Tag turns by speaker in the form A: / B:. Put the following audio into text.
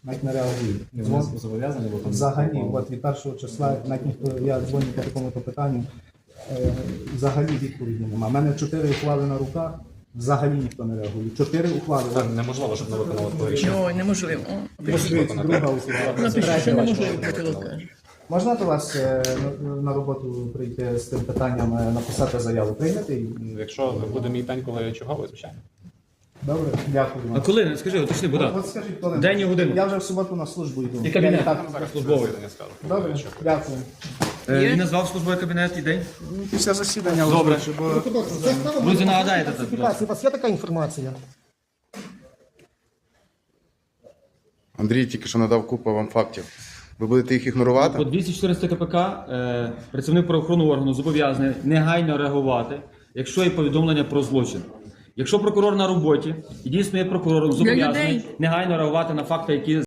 A: навіть не реагують.
B: Зв'язку зобов'язані, бо там
A: Взагалі, от від першого числа, навіть ніхто, я дзвоню по такому-то питанню, взагалі відповіді немає. У мене 4 ухвали на руках, взагалі ніхто не реагує. 4 ухвали.
B: Це неможливо, щоб не виконали твоє рішення.
C: Ой, неможливо.
A: Друга ухвала.
C: Напишіть, що неможливо, Петро каже.
A: Можна до вас на роботу прийти з тим питанням, написати заяву, прийняти її?
B: Якщо буде мій день, коли я черговий, звичайно.
A: Добре, дякую
D: А
A: вам.
D: коли? Скажи, уточни, Богдан.
A: От скажіть, коли?
D: День і годину.
A: Я вже в суботу на службу йду.
D: І кабінет.
A: Я і так-
B: Службовий день, я скажу.
A: Добре, дякую.
D: Він назвав службовий кабінет і день.
A: Після засідання
D: Добре.
A: озвучу, бо
D: Друзі, нагадаєте це. будь ласка.
E: У вас є така інформація?
F: Андрій тільки що надав купу вам фактів. Ви будете їх ігнорувати?
D: По 214 КПК працівник правоохоронного органу зобов'язаний негайно реагувати, якщо є повідомлення про злочин. Якщо прокурор на роботі і дійсно є прокурором, зобов'язаний
C: людей.
D: негайно реагувати на факти, які